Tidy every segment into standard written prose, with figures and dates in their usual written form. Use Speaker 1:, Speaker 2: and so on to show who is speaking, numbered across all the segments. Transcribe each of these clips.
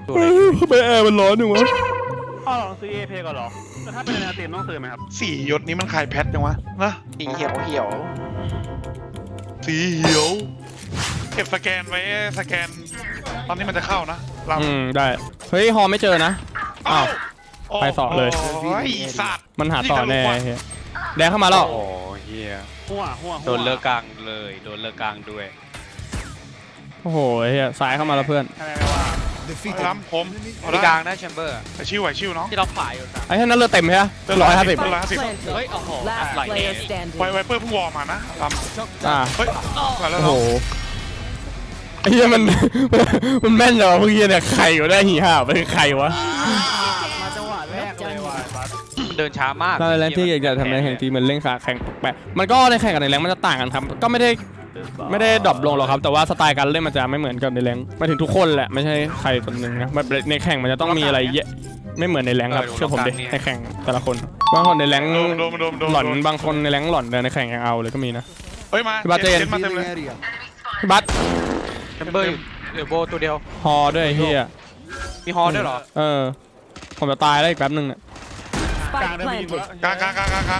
Speaker 1: ทำไมแอร์มันร้อนอยู่วะ
Speaker 2: พ่อลองซื้อเอเพก่อนหรอแต่ถ้าเป็นในเตียมต้องซื้อไหมครับ
Speaker 3: สี่ยศนี้มันคลายแพทยังวะนะ
Speaker 4: สีเขียว
Speaker 3: สีเขียวเก็บสแกนไว้สแกนตอนนี้มันจะเข้านะเรา
Speaker 1: ได้เฮ้ยฮอไม่เจอนะอ้าวไปต่อเลย
Speaker 3: โอ้ยสัตว์
Speaker 1: มันหาต่อแน่เฮ้ยแดงเข้ามาแล้ว
Speaker 4: โอ้เฮีย
Speaker 2: หัว
Speaker 4: โดนเลิกกลางเลยโดนเลิกกลางด้วย
Speaker 1: โอ้โหเฮียซ้ายเข้ามาแล้วเพื่อน
Speaker 2: ใช่ไหมว่า
Speaker 3: ล้ำผมเอา
Speaker 4: ที่
Speaker 3: ได้
Speaker 4: กลางนะแชมเบอร์
Speaker 3: แต่ชิวไหวชิวน้อง
Speaker 4: ที่เราขายอยู่นะ
Speaker 1: ไอ้ท่านนั้นเลือดเต็มใช่ไหม 150
Speaker 5: Planted.
Speaker 4: เฮ้ยโอ้โห
Speaker 5: Last
Speaker 4: ไหลเอ
Speaker 5: player
Speaker 4: ง
Speaker 5: standing.
Speaker 3: ไวเปอร์เพิ่งวอร์มานะล้ำ
Speaker 1: อ่า
Speaker 3: เฮ้ยมาแล้ว
Speaker 1: โอ้โห
Speaker 3: เนาะ
Speaker 1: ไอ้เหี้ยมัน มันแม่นจังวะพวกเหี้ยเนี่ยใครอยู่ได้หีห่าเป็นใครวะ
Speaker 2: มาจังหวะแรกเลยว่ะบัส
Speaker 4: เดินช้ามาก
Speaker 1: ถ้าในแรงที่อยากจะทำในแข่งทีมมันเล่นขาแข่งแปะมันก็ในแข่งกับในแรงมันจะต่างกันครับก็ไม่ได้ดรอปลงหรอกครับแต่ว่าสไตล์การเล่นมันจะไม่เหมือนกับในแรงมาถึงทุกคนแหละไม่ใช่ใครคนหนึ่งนะแบบในแข่งมันจะต้องมีอะไรเยอะไม่เหมือนในแรงครับเชื่อผมดิในแข่งแต่ละคนบางคนในแรง
Speaker 3: โดน
Speaker 1: หล่อนบางคนในแรงหล่อนแต่ในแข่งยังเอาเลยก็มีนะ
Speaker 3: เฮ้ยมา
Speaker 1: พี่บาสเจน
Speaker 3: เจ็ดมาเต็มเลย
Speaker 1: พี่บัส
Speaker 4: แชมเบอร์อยู่เดี๋ยวโบตัวเดียว
Speaker 1: ฮอด้วยไอ้เฮีย
Speaker 4: มีฮอด้วยเหรอ
Speaker 1: ผมจะตายแล้วอีกแป๊บนึงเนี่ย
Speaker 2: กลาง
Speaker 5: Spike
Speaker 2: ได้ไม่ยิง
Speaker 5: planted.
Speaker 3: กลางกลางกลางกลางกลาง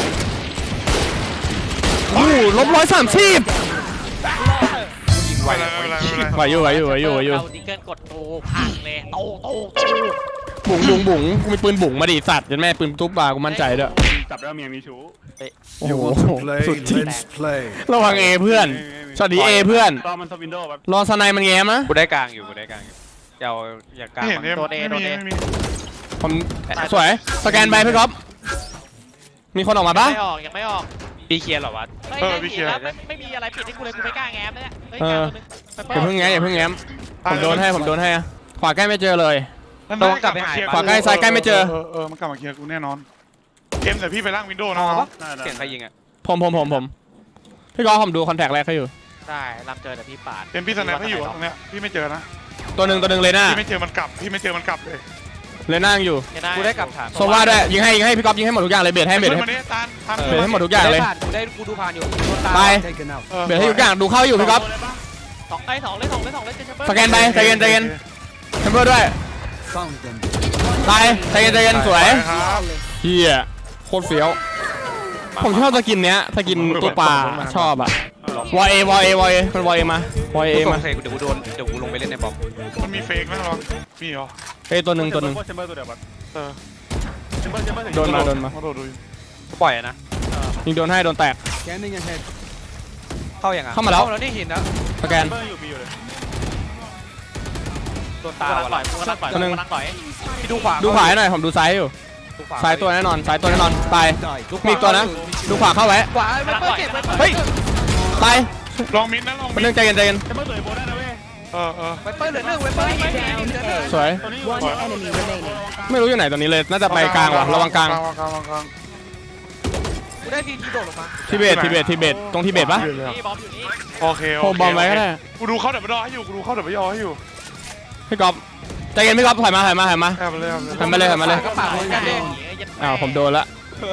Speaker 1: โอ้โหลบ130
Speaker 4: ยิงไว
Speaker 3: ไม่เป็นไรไม่เป็นไร
Speaker 1: ไหวอยู่
Speaker 4: เราดิเกิลกดโตพังเลยโต
Speaker 1: บุ๋งกูมีปืนบุ๋งมาดิสัตว์ยันแม่ปืนตุ๊บปลากูมั่นใจด้วย
Speaker 2: จับได้เมียมีชู้
Speaker 1: โอ้โห
Speaker 6: Play,
Speaker 1: สุดจริง
Speaker 6: let's play.
Speaker 1: ระวังเอเพื่อนสวัสดีเอเพื่อน
Speaker 2: ตอนมันสวินโดว์แบบ
Speaker 1: รอสไนมันแง้มนะ
Speaker 4: กูได้กลางอยู่อย่ากลาง
Speaker 3: ไม่เห็นเนี่ย
Speaker 4: ตัวเอ
Speaker 3: ไม่
Speaker 4: ตัว
Speaker 3: มี
Speaker 4: เอ
Speaker 3: ไม่มี
Speaker 1: ผมสวยสแกนไปพี่ก๊อฟมีคนออกมาปะ
Speaker 4: ยังไม่ออกปีเคลียร์เหรอวะ
Speaker 7: ไม่มีอะไรผิดที่กูเลยกูไม่กล้าแง้มเลยเนี่ยเฮ้ย
Speaker 1: เออ
Speaker 7: กล้าตัวนึง
Speaker 1: อย่าเพิ่งแง้มผมโดนให้อะขวาใกล้ไม่เจอเลย
Speaker 3: นั่น
Speaker 4: ต้องกลับไปหา
Speaker 1: ขวาใกล้ซ้ายใกล้ไม่เจอ
Speaker 3: มันกลับมาเคลียร์กูแน่นอนเกมแต่พี่ไปล่างวินโดว์นะ
Speaker 4: เสียงใครยิงอ่ะ
Speaker 1: ผมพี่ก๊อฟผมดูคอนแทคแรกเขาอยู่
Speaker 7: ได้รับเจอแต่พี่ปาด
Speaker 3: เกมพี่สแนปให้อยู่ตรงเนี้ยพี่ไม่เจอนะ
Speaker 1: ตัวหนึ่งเลยน่า
Speaker 3: พี่ไม่เจอมันกลับพี่ไม่เจอมันกลับเลย
Speaker 1: เลยน่ายังอยู่
Speaker 4: กูได้กลับฐาน
Speaker 1: โซว่าด้วยยิงให้พี่ก๊อฟยิงให้หมดทุกอย่างเลยเบียดให้
Speaker 3: ช่วยมันเนี่ยตานทำ
Speaker 1: เบียดให้หมดทุกอย่างเลย
Speaker 4: กูดูผ่านอยู่
Speaker 1: ไป
Speaker 6: Taken out.
Speaker 1: เบียดให้ทุกอย่างดูเข้าอยู่พี่ก๊อฟ
Speaker 7: สองเลยเจอ
Speaker 1: สแกนไปใจเย็นแชมเบอร์ด้วย
Speaker 6: Found them.
Speaker 1: ตายใจเย็นสวย
Speaker 3: ครับ
Speaker 1: เฮียโคตรเฟี้ยวผมชอบสกินเนี้ยสกินตัวปลาชอบอะวอเอมันวอเอมาวอเอ
Speaker 4: กู
Speaker 1: มา
Speaker 4: เดี๋ยวกูลงไปเล่นในบอม
Speaker 3: มันมีเฟกนะลองมีเหรอ
Speaker 1: เอ้ยตัวหนึ่ง
Speaker 2: แชมเบอร์ตัวเดียวบัส
Speaker 3: เออ
Speaker 2: แชมเบอร์
Speaker 1: โดนมา
Speaker 3: โดนดู
Speaker 4: กูปล่อยนะ
Speaker 1: ยิงโดนให้โดนแตก
Speaker 6: Scanning ahead.
Speaker 4: เข้าอย่างอ่ะ
Speaker 1: เข้ามาแล้ว
Speaker 4: แล้วนี่เห็นนะ
Speaker 1: สแกน
Speaker 2: แชมเบอร์อยู่เลย
Speaker 4: โดนตา
Speaker 7: กูรักปล่อย
Speaker 1: ตัวหนึ่ง
Speaker 7: กูรักปล่อย
Speaker 4: พี่ดูขวา
Speaker 1: ดูขวาให้หน่อยผมดูซ้ายอยู่ซ้ายตัวแน่นอนตาย
Speaker 6: Die.
Speaker 1: มีอีกตัวนะดูขวาเข้าไว้
Speaker 4: ขวาเปิดเก็บ
Speaker 1: เฮ้ยตาย
Speaker 3: ลองมินนะลอง
Speaker 1: เป็น
Speaker 3: มิ
Speaker 1: เรื่อน งใจเย็น
Speaker 2: แชมเบอร์ตัวโบได้นะเว้ย
Speaker 4: เปิดเหลือ1เปิด
Speaker 1: สวย
Speaker 2: ตัวนี้
Speaker 5: One enemy remaining.
Speaker 1: ไม่รู้อยู่ไหนตอนนี้เลยน่าจะไปกลางว่ะระวังกลาง
Speaker 4: กูได้ทีโดดลงมา
Speaker 1: ทิเบตตรงทิเบตปะ
Speaker 7: นี่บอมอยู่นี่
Speaker 3: โอเค
Speaker 1: โฮมบอมไว้ก็ได้
Speaker 3: กูดูเขาเดี๋ยวไปรอให้อยู่กูดูเขาเดี๋ยวไปรอให้อยู่
Speaker 1: พี่ก๊อฟใจเย็นพี่ก๊อฟถอยมา
Speaker 3: แอบไปเลย
Speaker 1: ทำไปเลย
Speaker 4: ก็ปากเลยกันเอง
Speaker 1: อ้าวผมโดนละ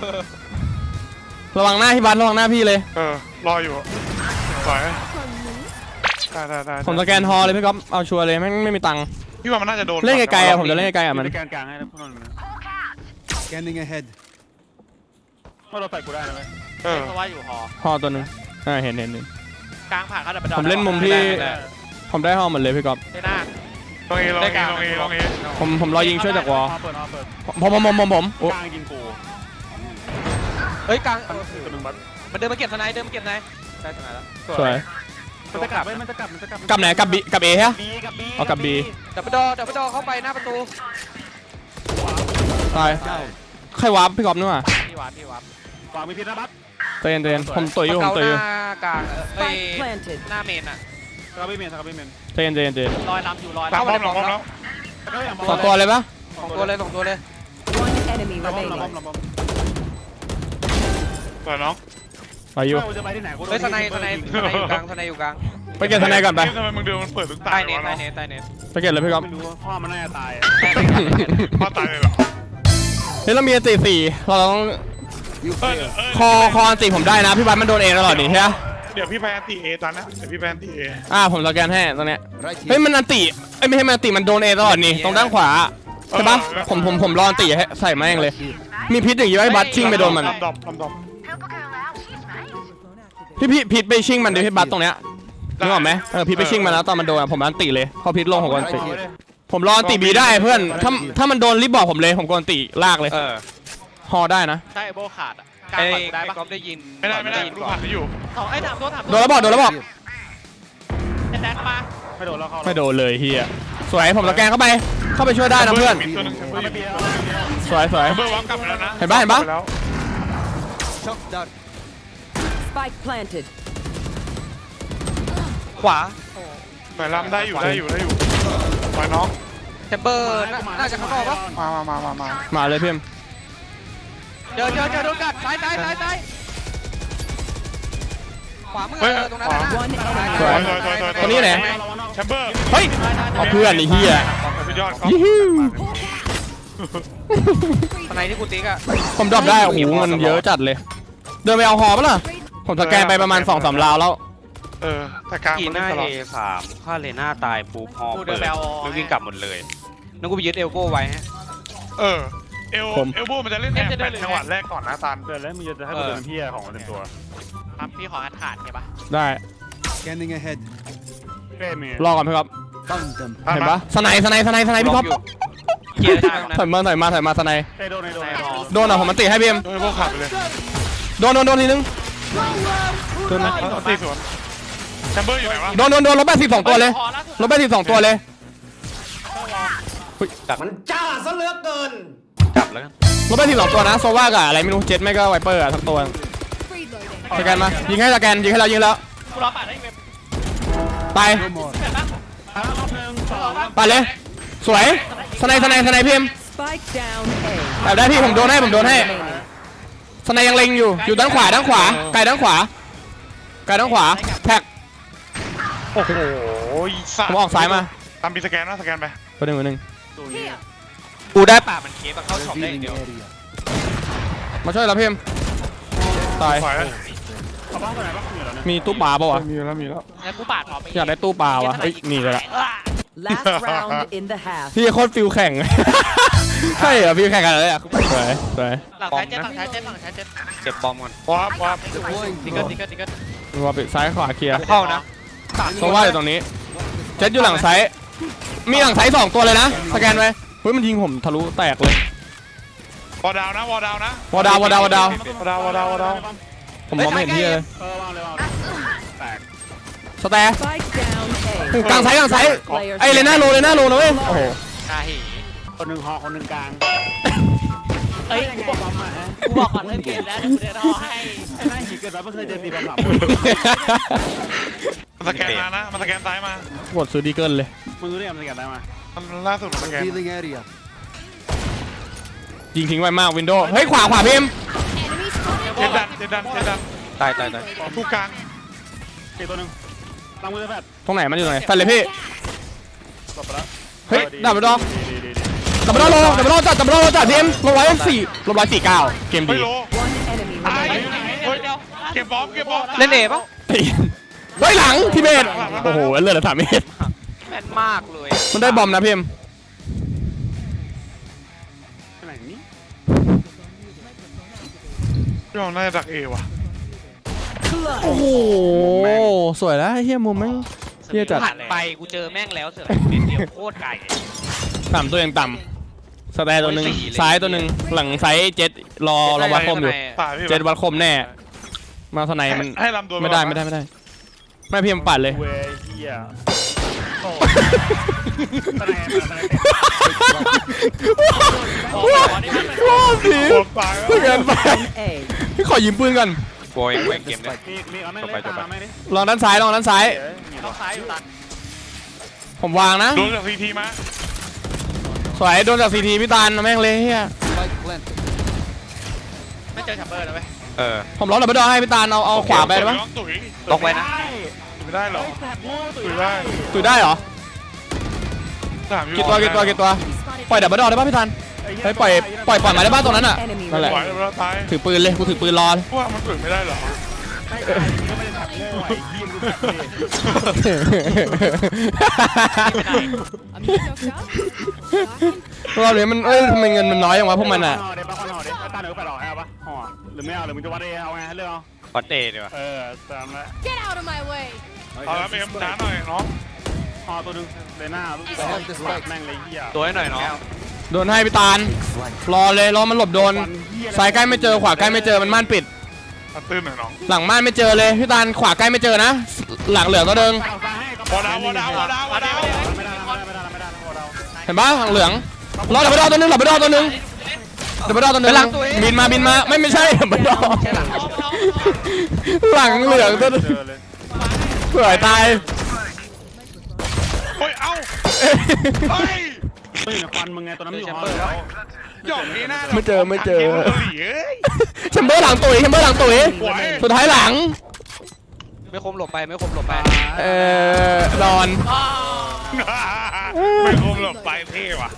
Speaker 1: ระวังหน้าพี่บัสระวังหน้าพี่เลย
Speaker 3: รออยู่สวยได้
Speaker 1: ผมสแกนฮอเลยพี่ก๊อฟเอาชัวร์เลยไม่มีตังค์
Speaker 3: พี่ว่ามันน่าจะโดน
Speaker 1: เล่นไกลๆอะผมจะเล่นไกลๆอะมัน
Speaker 2: มีแกนกลางให้พวกนั้น
Speaker 6: Scanning ahead.
Speaker 2: ว่าเราใส่กูได้นะเว้ย
Speaker 7: เพราะว่าอยู่หอ
Speaker 1: ฮอตัวหนึงเห็น
Speaker 7: กลางผ่านเขาดับไป
Speaker 1: ผมเล่นมุมที่ผมได้ฮอหมดเลยพี่ก๊อฟ
Speaker 7: ได้หน้า
Speaker 3: ลองเอ
Speaker 1: ผมรอยิงช่วยจากวอล
Speaker 2: เปิด
Speaker 1: ผม
Speaker 2: กลางยิงกู
Speaker 4: เฮ้ยกลาง
Speaker 2: ตัวนึงบัส
Speaker 4: มันเดินมาเก็บสไนได้สไนแล้ว
Speaker 1: สวย
Speaker 2: มันจะกลับมันจะกลับ
Speaker 1: กลับไหนกับเอฮะ
Speaker 2: บีกับบี
Speaker 1: เอากับ B
Speaker 4: ดับเบิลดอเข้าไปหน้าประตู
Speaker 1: ตายใครวาร์ปพี่ก๊อฟนี่หว่า
Speaker 7: พี่วับ
Speaker 2: ขวามีพิษนะบัส
Speaker 1: ใจเย็นผมต่อยอยู่
Speaker 4: หน้ากลางเอ้ย
Speaker 5: Spike planted.
Speaker 7: หน้าเมนอ่ะ
Speaker 2: สกัดบีเมน
Speaker 1: ใจเย็น
Speaker 7: ลอยลำอยู่ลอย
Speaker 3: ป้อมแล้ว
Speaker 1: สองตัวเลยปะ
Speaker 4: สองตัวเลย
Speaker 5: One enemy
Speaker 2: ระบ
Speaker 5: remaining.
Speaker 2: บ
Speaker 3: สวยน้อง
Speaker 1: ไปอยู่
Speaker 2: จะไปที่ไหนกู
Speaker 4: เฮ้ยสไนอยู่กลาง
Speaker 1: ไปเก็บทนายก่อนไป
Speaker 3: ทำไมมึงเดินมันเปิดทุกตา
Speaker 4: ใต้
Speaker 3: ย
Speaker 4: เน็ต
Speaker 1: ไปเก็บเลยพี่ก๊อฟ
Speaker 2: ไม่รู้ว่าพ่อมันน่าจะตาย
Speaker 3: พ่อตายเลยเหรอ
Speaker 1: เฮ้ยเรามีอันตี4เราต้อง
Speaker 6: You failed.
Speaker 1: คออันตีผมได้นะพี่บัสมันโดนเองตลอดนี่ใช่ไหม
Speaker 3: เดี๋ยวพี่ไปอันตีเอตอนนะเดี๋ยวพี่ไปอันตีเอ
Speaker 1: ผมสแกนให้ตรงเนี้ย
Speaker 6: Right
Speaker 1: เฮ้ย
Speaker 6: here.
Speaker 1: มันอันติเอ้ยไม่ใช่มันอันติมันโดนเอตลอดนี่ตรงด้านขวาใช่ปะผมรออันติให้ใส่แม่งเลย มีพิษอย่างงี้ไว้บัตชิ่งไปโดนมัน
Speaker 3: ลำดอบ
Speaker 1: พี่พิษไปชิ่งมันดิพี่บัตตรงเนี้ยนึกออกไหมพิษไปชิ่งมันแล้วตอนมันโดนผมอันติเลยพอพิษลงผมก็อันติ ผมรออันติบีได้เพื่อนถ้ามันโดนรีบบอกผมเลยผมก็อันติลากเลยฮอได้นะ
Speaker 7: ใช่โบขาดอ่ะกลาง
Speaker 4: ไอ้
Speaker 7: ก่อนได้ปะ
Speaker 4: ก๊อฟได้ยิน
Speaker 3: ไม่ได้ลูกผ่านไม่อยู่
Speaker 7: ไอ้ถามตัวถาม
Speaker 1: โดนแล้วบอก
Speaker 7: แดนมา
Speaker 2: ไม่โดนแล้วเข้า
Speaker 1: ไม่โดนเลยเฮียสวยผมสแกนเข้าไปช่วยได้นะเพื่อน
Speaker 3: มีตัวหนึงแชมเบอร์อยู่
Speaker 1: สวย
Speaker 3: แชมเบอร์วางกลับไปแล้วนะ
Speaker 1: เห็นปะ
Speaker 3: แล้ว
Speaker 6: Shock dart.
Speaker 5: Spike planted.
Speaker 4: ขวา
Speaker 3: แต่ลำได้อยู่ปล่อยน้อง
Speaker 4: แชมเบอร์น่าจะข้างนอกปะ
Speaker 3: มา
Speaker 1: เลยพี่เอ็ม
Speaker 4: เจอโดนกัดซ้ายขวามือตรงนั้น
Speaker 5: One
Speaker 1: สวย
Speaker 5: enemy.
Speaker 1: ตัวนี้ไหน
Speaker 3: แชมเบอร์
Speaker 1: เฮ้ยเอาเพื่อนไอ้เฮีย
Speaker 3: สุดยอดครับ
Speaker 1: ยี่หิว
Speaker 4: ทนายที่กูติ๊กอะ
Speaker 1: ผมดรอปได้โอ้โหมันเยอะจัดเลย เดินไปเอาฮอปะล่ะผมสแกนไปประมาณ 2-3 ราวแล้ว
Speaker 3: แต่กลาง
Speaker 4: กี
Speaker 3: มัน
Speaker 4: หน้า
Speaker 3: ตลอด
Speaker 4: A3ค่าเลน่าตายปุ๊บฮอ
Speaker 7: กู
Speaker 4: เปิ
Speaker 7: เดิ
Speaker 4: ด
Speaker 7: นไปเอา
Speaker 4: แล้ววิ่งกลับหมดเลยนั่นกูไปยึดเอลโก้ไว้ฮะ
Speaker 3: เอลโบมันจะเล่นแอบแปดจังหวะแรกก่อนนะตัน
Speaker 2: เดินแล้วมึงจะให้กูเดินเพี้ยของมันเต็มตัว
Speaker 7: ครับพี่ขอขาดใช่ปะ
Speaker 1: ได้
Speaker 6: Scanning ahead.
Speaker 2: เป้มี
Speaker 1: รอก่อนพี่ครับ
Speaker 6: Found them.
Speaker 1: เห็นปะสไนพี่ท็อป
Speaker 4: เกียร์ได้ตรงนั้น
Speaker 1: ถอยมาสไน
Speaker 2: เป้โดนใน
Speaker 1: โดนอ่ะผมมันติให้พี่เอ็ม
Speaker 3: โดยพวกขับไปเลย
Speaker 1: โดนทีนึงโดนนะ
Speaker 3: ตีสวนแชมเบอร์อยู่ไหนวะ
Speaker 1: โดนลบ82ตัวเลยลบ82ตัวเลย
Speaker 4: จับแล้วกัน
Speaker 1: ลบ82ตัวนะโซว่ากับอะไรไม่รู้เจ็ตไม่ก็ไวเปอร์อะทั้งตัวสแกนมายิงให้เรายิงแล้ว
Speaker 7: กูรอปาดได้เว็บ
Speaker 1: ไป
Speaker 6: No more.
Speaker 7: เห็นปะ
Speaker 2: รอบหนึ่งสอง
Speaker 1: ไปเลยสวยสไนพี่เอ็ม
Speaker 5: Spike down A.
Speaker 1: แต่ได้พี่ผมโดนให้
Speaker 5: Remaining.
Speaker 1: สไนยังเล็งอยู่ด้านขวาไกลด้านขวาแท็ก
Speaker 3: โอ้โห
Speaker 1: ผมออกซ้ายมา
Speaker 3: ตามปีสแกนนะสแกนไป
Speaker 1: ตัวหนึ่ง
Speaker 4: กูได้ป่ามันเคสมาเข้าช็อปได้อย่าง
Speaker 6: Revealing
Speaker 4: เดียว
Speaker 6: area.
Speaker 1: มาช่วยเราพี่เอ็มตาย
Speaker 3: ฝ่ายแล้ว
Speaker 2: เอาบ้างตัวไหนบ้างเหนือแล้วเนี่ย
Speaker 1: มีตู้ปลาป่าวะ
Speaker 3: มีแล้ว
Speaker 7: งั้นกูปาดพอไป
Speaker 1: อยากได้ตู้ปลาวะเฮ้ยนี่เลยละ
Speaker 5: Last round in the half.
Speaker 1: พี่โคตรฟิลแข่ง ใช่เหรอฟิลแข่งกันเลยอ่ะสวย
Speaker 7: หลังซ้ายเจ็ด
Speaker 4: เก็บบอมก่อน
Speaker 3: วับ
Speaker 6: Deploying
Speaker 7: ติ๊กเกอร์
Speaker 6: drone.
Speaker 7: ติ๊กเกอร์ติ๊กเกอร์
Speaker 1: ว่าไปซ้ายขวาเคลียร์
Speaker 4: เข้านะ
Speaker 1: โซว่าอยู่ตรงนี้เจ็ตอยู่หลังซ้ายมีหลังซ้าย2ตัวเลยนะสแกนไว้เฮ้ยมันยิงผมทะลุแตกเลยว
Speaker 3: อดาวนะวอดาว
Speaker 1: ผมมองไม่เห็นที่เลย
Speaker 2: วางเลยวาง
Speaker 1: สแตร์
Speaker 5: Spike down A.
Speaker 1: กลางซ้ายไอ้เลน่าโลนะเว้ยโอ้โห
Speaker 7: กาหี
Speaker 2: คนหนึ่งหอคนหนึ่งกลาง
Speaker 7: เอ้ยกูบอกก่อนเลยเปลี่ยนแล้วเดี๋ยวกูเดินรอให้
Speaker 2: ไอ้หน้าหิเกิดมาไม่เคยเจอตีบอลหลับ
Speaker 3: มันสแกนมานะมันสแกนซ้ายมา
Speaker 1: กดซื้อดีเกิลเลย
Speaker 2: มึงรู้ได้ยังไงมันได้มา
Speaker 3: มันล่าสุดมันสแกน
Speaker 6: Revealing area.
Speaker 1: ยิงทิ้งไว้มากวินโดว์เฮ้ยขวาพิมพ์
Speaker 3: เจ็ดดัน
Speaker 4: ตาย
Speaker 3: ผู้กลาง
Speaker 2: เจตัวหนึ่งตั้งมือแฟด
Speaker 1: ตรงไหนมันอยู่ไหนแฟนเลยพี่
Speaker 2: จบไปแล้ว
Speaker 1: เฮ้ยดับเบิลดอ
Speaker 2: ดี
Speaker 1: จัดพิมพ์ลง149เกม
Speaker 3: เฮ้
Speaker 1: ดี
Speaker 3: ยโล
Speaker 5: One enemy
Speaker 3: ตาย
Speaker 5: remaining.
Speaker 3: เฮ้ยเก็บบอม
Speaker 4: เล่นเอปะ
Speaker 1: เฮ้ยหลังทีเบตโอ้โหเลือดละ3 เมตร
Speaker 4: แม่นมากเลย
Speaker 1: มันได้บอมนะพิมพ์
Speaker 2: ไหนนี่
Speaker 3: พี่เราน่าจะดักเอว่ะ
Speaker 1: โอ้โหสวยแล้วเฮียมุมแม่งเฮียจัด
Speaker 4: ผ่านไปกูเจอแม่งแล้วเสือเม็ดเดียวโคตรไก่
Speaker 1: ต่ำตัวยังต่ำสแตร์ตัวหนึ่งซ้ายตัวหนึ่งหลังซ้ายเจ็ดรอวัดคมอยู่
Speaker 3: ตายพี่
Speaker 1: เจ็ดวัดคมแน่มาสไนมัน
Speaker 3: ให้ลำดวน
Speaker 1: ไม่ได้ไม่พิมพ์ปัดเลย
Speaker 2: เวเฮียโอ้ตะแนน
Speaker 1: ว้าวสิ
Speaker 3: โคตรตาย
Speaker 1: เกินไป
Speaker 5: A.
Speaker 1: พี่ขอยืมปืนก่อน
Speaker 4: โวยเกมเนี่ย
Speaker 2: มีเอาแม่งเลยตามแม่งดิ
Speaker 1: ลองด้านซ้าย
Speaker 7: ต้องซ้ายอยู่ตัน
Speaker 1: ผมวางนะ
Speaker 3: โดนจากซีทีมา
Speaker 1: สวยโดนจากซีทีพี่ตาลแม่งเลยเฮีย
Speaker 6: Spike planted.
Speaker 7: ไม่เจอแชมเบอร์นะเว้ย
Speaker 1: ผมล็อกดับเบิลดอให้พี่ตาลเอาขวาไปได้ปะ
Speaker 3: ตุ๋ย
Speaker 4: ล็อกไว้นะ
Speaker 3: ไม่ได้หรอตุ๋ยได้
Speaker 1: ตุยได้เหรอ
Speaker 3: ถาม
Speaker 1: กี่ตัวปล่อยดับเบิลดอได้ปะพี่ตาลเฮ้ยปล่อยมาได้บ้านตรงนั้นอ่ะ
Speaker 5: Enemy
Speaker 1: นั่นแหละ
Speaker 3: ไหว
Speaker 5: remaining.
Speaker 3: แล้วตาย
Speaker 1: ถือปืนเลยกูถือปืนรอ
Speaker 3: ว่ามันตุ๋ยไม่ได้หรอ
Speaker 2: ไม่ก็ไม่ได้ทำโง่ไอ้เหี้ยกูแบบนี้
Speaker 1: รอบนี้มันทำไมเงินมันน้อยอย่างวะพวกมันอ่ะ
Speaker 2: เดี๋ยวปะห่อเดี๋ยวตาเดี๋ยวไปหรอเอาปะห่อหรือไม่เอาหรือมึงจะวัดเอเอาไงเรื่องเอา
Speaker 4: วัดเดย์ดีกว่า
Speaker 2: ตามละ
Speaker 5: Get out of my way.
Speaker 3: เอาแล้วเอ็มช้าหน่อยน้อง
Speaker 2: ห่อตัวนึงเลยหน้าลูกสองแม่งเลยเหี้ย
Speaker 4: ตัวให้หน่อยน้อง
Speaker 1: โดนให้พี่ตาลรอเลยรอมันหลบโดนซ้ายใกล้ไม่เจอขวาใกล้ไม่เจอมันม่านปิด
Speaker 3: เอาตื้นหน่อยน้อง
Speaker 1: หลังม่านไม่เจอเลยพี่ตาลขวาใกล้ไม่เจอนะหลังเหลืองตัวเดิง
Speaker 3: วอดาววอดาววอดาววอดาว
Speaker 2: ไม่ได้ห่อเรา
Speaker 1: เห็นปะหลังเหลืองรอดับเบิลดอตัวนึงดับเบิลดอตัวนึงดับเบิลดอตัวนึงบินมาไม่ใช่ดับเบิลดอหลังเหลืองตัวนึง
Speaker 2: เจอเลย
Speaker 1: เผื่อตาย
Speaker 3: โอ้ยเอ้าเฮ้ย
Speaker 2: ไม่อยู่ในควันมึงไงตัวนั้นอยู่ห่อแล้ว
Speaker 3: หยอกนี่หน้า
Speaker 1: ไม่เจอ
Speaker 3: เอ้ย
Speaker 1: แชมเบอร์หลังตุ๋ยสุดท้ายหลัง
Speaker 4: ไม่คมหลบไปไม่คมหลบไป
Speaker 1: นอน
Speaker 3: ไม่คมหลบไปเท่ว่ะ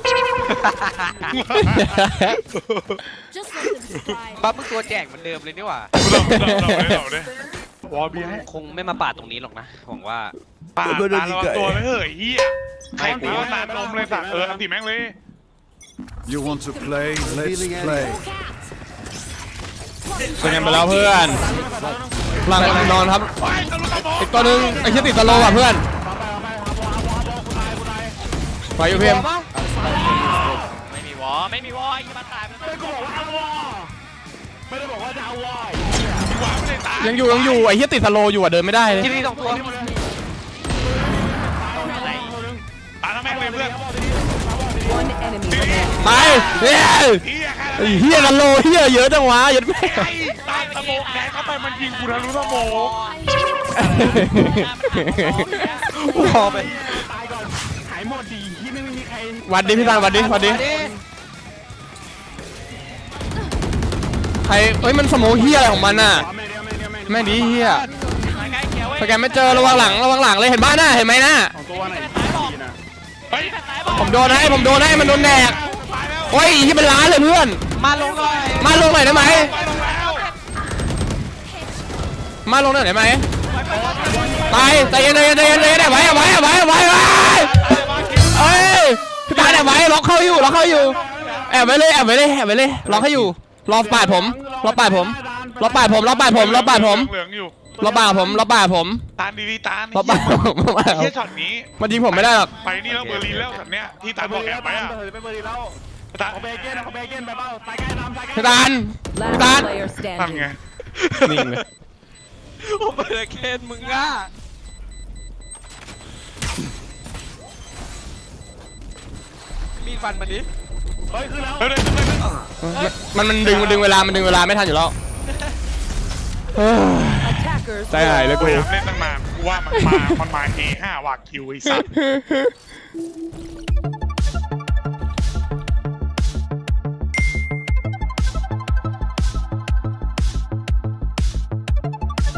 Speaker 5: Just let them slide.
Speaker 4: ปั๊บมึงตัวแจกเหมือนเดิมเลยนี่หว่า
Speaker 3: เราเลยวอลบีให้
Speaker 4: คงไม่มาปาดตรงนี้หรอกนะหวังว่า
Speaker 3: ป่าตาระวังตัวไม่เฮ้ยเฮียใครตีว่าตาลมเลยสัตว์อันตีแม่งเลย
Speaker 6: You want to play? Let's play.
Speaker 1: เป็นกันไปแล้วเพื่อนหลังนอนครับ
Speaker 3: ไปทะลุตะโม
Speaker 1: อีกตัวนึงไอ้ที่ติดตะโลอ่ะเพื่อนไปอยู่เพียม
Speaker 7: ไม่มีวอไอ้ยี่มาตาย
Speaker 2: ไม่กูบอกว่าเอาวอไม่ได้บอกว่าจะเอาวอ
Speaker 3: วางไม่ได้ตา
Speaker 1: ยังอยู่ไอ้ที่ติดตะโลอยู่อ่ะเดินไม่ได้เลย
Speaker 4: ที่นี่สองตัว
Speaker 3: ตาทำแม่งเลยเพื่อน
Speaker 5: One enemy remaining.
Speaker 1: ไปเฮ้ย
Speaker 3: เฮียแค่
Speaker 1: ไอ้เฮียตะโลเฮียเยอะจังวะยัดแม่
Speaker 3: ไอ้ตาตะโมแดงเข้าไปมันยิงกูทะลุตะโม
Speaker 4: พอไป
Speaker 2: ตายก่อนหายหมดดีที่ไม่มีใคร
Speaker 1: วัดดิพี่ตาลวัดดิใครเฮ้ยมันสโมเฮียอะไรของมันน่ะแม่งดีเฮีย
Speaker 7: ใกล้เขียวเว้ย
Speaker 1: สแกนไม่เจอระวังหลังเลยเห็นบ้านน่ะเห็นไหมน่ะ
Speaker 2: ของตัวไหนนะ
Speaker 3: เฮ้ย
Speaker 1: ผมโดนให้มันโดนแดกโอ้ยที่เป็นล้านเลยเพื่อน
Speaker 4: มาลงหน่อย
Speaker 1: มาลงหน่อยได้ไหม
Speaker 3: ไปลงแล้ว
Speaker 1: มาลงหน่อยได้ไหมไปใจเย็นไว้เอ้ยพี่ตาแอบไว้ล็อกเข้าอยู่แอบไว้เลยล็อกให้อยู่รอปาดผมเหลืองอยู่รอปาดผม
Speaker 3: ตาดีๆตา
Speaker 1: รอปาดผม
Speaker 3: เฮียช็อตนี้
Speaker 1: มันยิงผมไม่ได้หรอก
Speaker 3: ไปนี่แล้วเบอร์ลินแล้วสัตว์เนี้ยที่ตาบอกแอบไปอ่ะ
Speaker 2: ไปเบอร์ดีแล้ว
Speaker 3: ตา
Speaker 2: ของเบเกนไปเปล่าตายใกล้น้ำตายใกล้
Speaker 1: พี่ตาล
Speaker 5: Last player
Speaker 3: ทำไง
Speaker 5: standing.
Speaker 1: นิ่งเลย
Speaker 4: โอ้เบอร์เคนมึงอ่ะมีฟันมันดิ
Speaker 2: เฮ้ยคือแล้ว
Speaker 3: เร็ว
Speaker 1: มันดึงเวลาไม่ทันอยู่แล้ว
Speaker 5: Attackers.
Speaker 1: ใจหายเลย
Speaker 3: ๆ
Speaker 1: กู
Speaker 3: พยายามเล่นตั้งนานกูว่ามันมาเฮ5วากคิวไอ้สัตว์